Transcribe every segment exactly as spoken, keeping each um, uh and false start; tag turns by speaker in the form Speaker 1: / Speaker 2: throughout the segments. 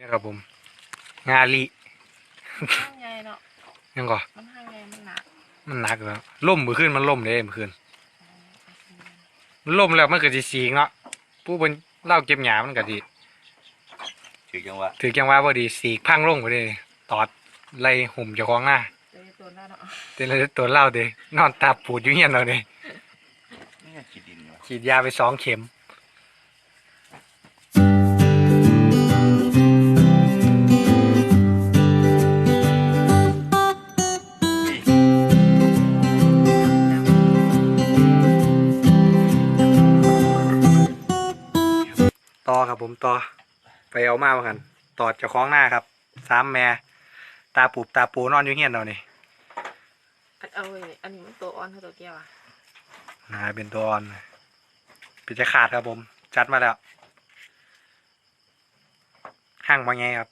Speaker 1: ครับผมงาลี
Speaker 2: ห้างใหญ่เนาะ
Speaker 1: ยังก่อ
Speaker 2: มันห้างใหญ่มันหนัก
Speaker 1: มันหนักแล้วล่มมือขึ้นมันล่มเลยมือขึ้นมันล่มแล้วมันเกิดสีสีเนาะผู้บนเล่าเก็บหยามันก็ดี
Speaker 3: ถือจังหวะ
Speaker 1: ถือจังว่าพอดีสีพังลงไปเลยตอดไล่หุ่มเจ้าของหน้า
Speaker 2: เตะตัวหน้าเนาะ
Speaker 1: เต็มเลยตัวเล่าเด้นอนตาปูดอยู่เงี้ยเราเนี่ย
Speaker 3: นี่ขีดดินวะ
Speaker 1: ฉีดยาไปสองเข็มต่อครับผมต่อไปเอามาเหมือนกันตอดเจ้าของหน้าครับสามแม่ตาปูตาปูนอนอยู่เงี้ยเราเนี่ย
Speaker 2: เอาไว้อันนี้มันตัวอ่อนเท่าตัวแก้วอ่ะ
Speaker 1: นาเป็นตัวอ่อนปิดจะขาดครับผมจัดมาแล้วห่างมาไงครับ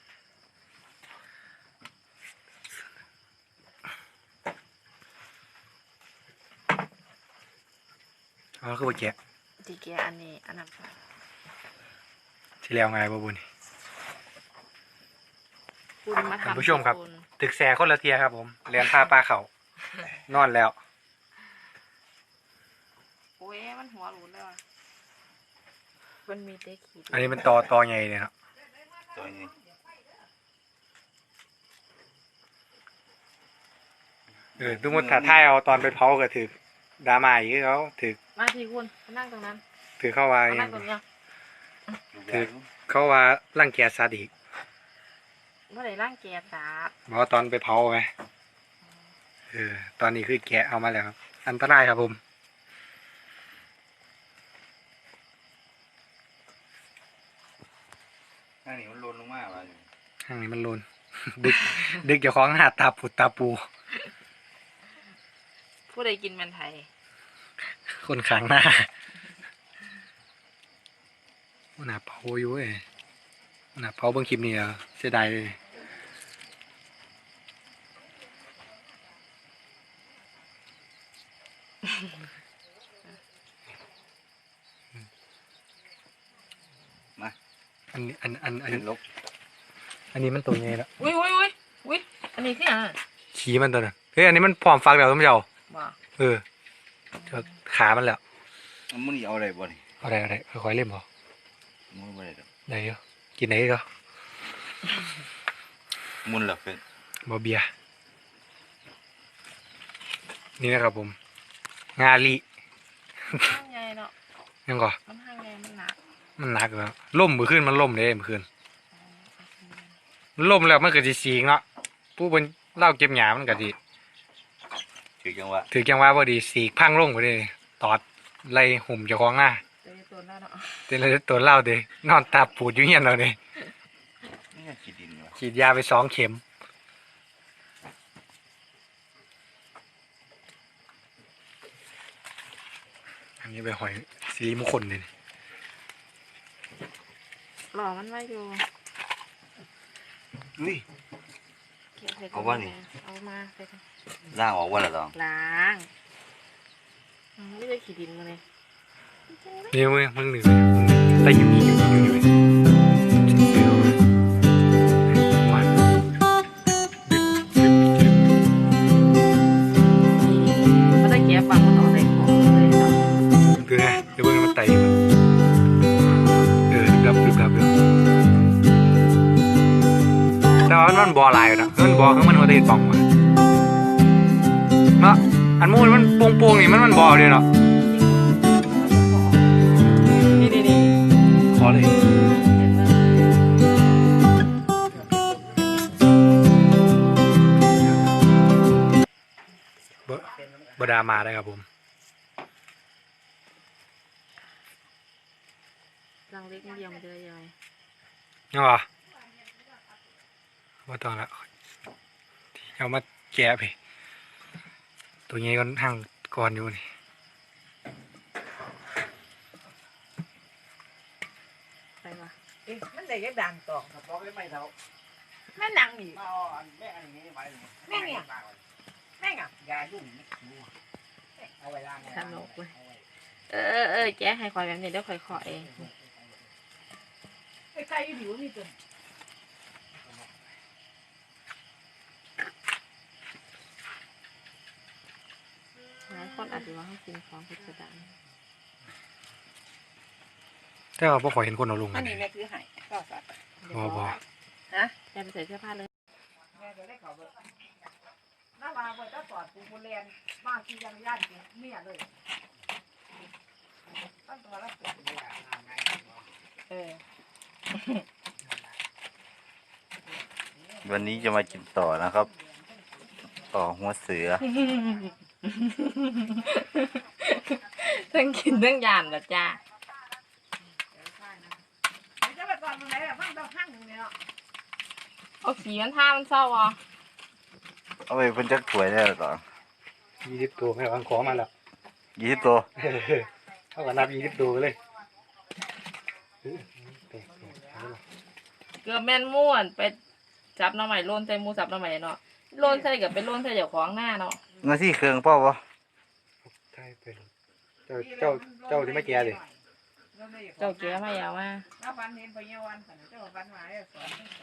Speaker 1: อ๋อคือว่าแกะ
Speaker 2: ที่แก้อันนี้อันนั้น
Speaker 1: ที่แล้วไงบ่บุญ
Speaker 2: คุณมาทำ
Speaker 1: ผู้ชมครับตึกแสคนละเทียครับผมเรียนผ้าปลาเขานอนแล้ว
Speaker 2: โอ้ยมันหัวหลุดแล้วอ่ะมันมีเตะขีด
Speaker 1: อันนี้มันตอตอใหญ่เนี่ยครับ
Speaker 3: ตัวนี้
Speaker 1: เออทุกคนถ่ายท้ายเอาตอนไปเผาก็ถือดราม่าอีกเขาถือ
Speaker 2: มาทีคุณนั่งตรงนั้น
Speaker 1: ถือเข้าว่า
Speaker 2: นั่งตรงนี้
Speaker 1: ถือเข้าว่าร่างแกซาดิก
Speaker 2: เมื่อไหร่ร่างแกสาบ
Speaker 1: บอกตอนไปเผาไงเออตอนนี้คือแกะเอามาแล้วครับอันตรายครับผม
Speaker 3: ข้างนี้มันโลนลงมากเลย
Speaker 1: ข้างนี้มันโลนดึกดึกจะคล้องหาตาปูตาปู
Speaker 2: ผู้ใดกินมันไทย
Speaker 1: คนขางหน้าหน้าเผาอยู่เอ้หน้าเผาเบิ่งคลิปนี้เสียดายเลย
Speaker 3: มา
Speaker 1: อันนี้อันอันอัน
Speaker 3: ลบ
Speaker 1: อันนี้มันตัวไงละ
Speaker 2: อุ้ยอุ้ยอุ้ยอุ้ยอันนี้คืออะไร
Speaker 1: ขี้มันตัวนั้นเฮ้ยอันนี้มันพร้อมฟักแล้วท่านผู้ชมเออขามันแล้ว
Speaker 3: มันนี่เอาอะไรบ่นี่
Speaker 1: เอาอะไรอะไรค่อยๆเล่มพอ
Speaker 3: มุนไปเลย
Speaker 1: ไหนเนาะกินไหนก็
Speaker 3: มุนหลับเป็น
Speaker 1: บอเบียนี่นะครับผมงาลี
Speaker 2: ห้างใหญ่เนาะ
Speaker 1: ยังก่อ
Speaker 2: มันห้างใหญ่มันหนัก
Speaker 1: มันหนักแล้วล่มมือขึ้นมันล่มเลยมือขึ้นมันล่มแล้วมันเกิดสีสีเนาะผู้บนเล่าเก็บหยามันก็ดี
Speaker 3: ถือจังหวะ
Speaker 1: ถือจังว่าพอดีสีพังลงไปเลยตอดไล่หุ่มเจ้าของหน้า
Speaker 2: เตะตัวหน้าเนาะ
Speaker 1: เต็มเลยตัวเล่าเด้นอนตาปูดอยู่เงี้ยเราเนี่ย
Speaker 3: นี่ขีดดินวะ
Speaker 1: ฉีดยาไปสองเข็มอันนี้ไปหอยสีมงคลเลย
Speaker 2: หล่อมันไว้อยู่
Speaker 3: อุ้ยเอาว่านี่
Speaker 2: เอามา
Speaker 3: ล้างออกว่าละต้อง
Speaker 2: ล้างไม่ได้ขีดดินมาเลย
Speaker 1: นี่มึงมึงหนึ่งแต่อยู่นี่อยู่นี่อยู่นี่วัน
Speaker 2: มันได้แก้ฟังมันออกได้ของเลยเนาะ
Speaker 1: คือไงเดี๋ยวเพิ่งมันไต่เออดับดับดับดับแต่ว่ามันบอลายนะมันบอลข้างมันมันติดป่องมาเนาะอันมูนมันโป่งๆนี่มันมันบอลเลยเนาะ
Speaker 2: นี่นี่นี่
Speaker 1: ขอเลยบดามาได้ครับผม
Speaker 2: รังเล็กนิดเดียวมันจะได้ยังไง
Speaker 1: ยังเหรอว่าตอนละเอามาแกะไปตัวนี้ก็ห่างก่อนอยู่นี่
Speaker 2: ไปวะ
Speaker 4: เอ๊ะมันได้ยังดังต่อครับบอกได้ไหมเท่า
Speaker 2: แม่นังนี่
Speaker 4: แม่อันนี้ไปแม่เนี่ยแม่อ่ะยายุ่งเอาไว้ล่าง
Speaker 2: สนุกเลยเออเออแจ๊ให้คอยแบบนี้เดี๋ยวคอยขอเอง
Speaker 4: ไอ้ใครอยู่ดีวะนี่ตัว
Speaker 2: รือว่าเขากินของพิสดาร
Speaker 1: แต่ว่าบ่ค่อยเห็นคนเอาลง
Speaker 4: อั
Speaker 1: กัน น
Speaker 4: นี้แม่ซื้อให้ก็สัตว์
Speaker 1: บ่บ่
Speaker 4: ฮะ
Speaker 2: แกไปใส่เสื้อผ้าเลย
Speaker 4: แม่จะได้เขาเบิดน้ามาเบิดถ้าสอดปูปูเรียนมาที่ยังย่านกินเมียเลยตั้งตัวแล้วเออ
Speaker 3: วันนี้จะมากินต่อนะครับ ต่อหัวเสือ
Speaker 2: ทั้งกินทั้งยานละจ้า
Speaker 4: จะไปก่อนมึงไหนแบบมันต้องหั่งเนี่ยเนาะ
Speaker 2: เอาสีมันท่ามันเศร้าอ่ะ
Speaker 3: เอาไปเป็นจักถวยได้หรอต่อ
Speaker 1: ยี่สิบตัวไม่วางขอมาแล้ว
Speaker 3: ยี่สิบตัว
Speaker 1: เท่ากับนับยี่สิบตัวเลย
Speaker 2: เกือบแม่นม่วนไปจับหน้ำใหม่โลนใส่หมูสับหน้ำใหม่เนาะโลนใส่กับเป็นโลนใส่เจ้าของหน้าเนาะ
Speaker 3: เงินที่เครื่องเป้าวะ
Speaker 1: ใช่เป็นเจ้าเจ้าเจ้าที่ไม่แก่ดิ
Speaker 2: เจ้าแก่มาอย่ามา
Speaker 4: แล้วฟันเห็นไปเยาวันสันเจ้าฟันมาเนี่ยสอนสอน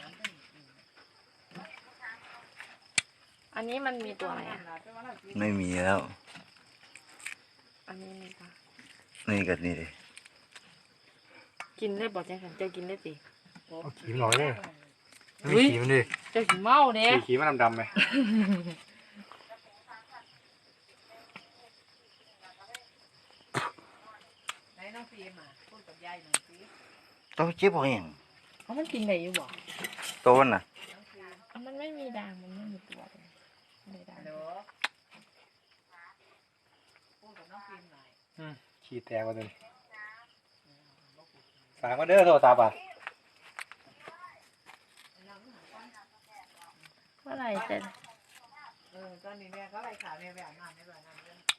Speaker 2: อันนี้มันมีตัวไหนอ่ะ
Speaker 3: ไม่มีแล้ว
Speaker 2: อันนี้มีปะ
Speaker 3: นี่กับนี่เลย
Speaker 2: กินได้บอกแจ้งกันเจ้ากินได้สิ
Speaker 1: เอาขีมหน่อยเลยไม่ขีมันดิ
Speaker 2: เจ้ากินเมาเด้
Speaker 1: ขีมันดำๆไหม
Speaker 4: ไหนน้องฟิล์มอ่ะพูดกับยายหน่อยสิ
Speaker 3: ต้องเจ็บหัวอย่าง
Speaker 2: เอามันกินได้อยู่บ่
Speaker 3: โตนน่ะ
Speaker 4: น้องฟิล์ม
Speaker 2: อ่ะมันไม่มีด่างมันไม่มีตัวเลยไม่ได้ด่าง
Speaker 4: ฮัลโหลพูดกับน้องฟิล์มหน่อย
Speaker 1: ขี้แตกว่าตัวนี้ฝากมาเด้อโทรศัพท์อ่ะ
Speaker 2: เมื่อไหร่จะ
Speaker 4: เออตอนนี้แม่ก็ไล่ข่าวแม่แบบนั้นแม่แบบนั้น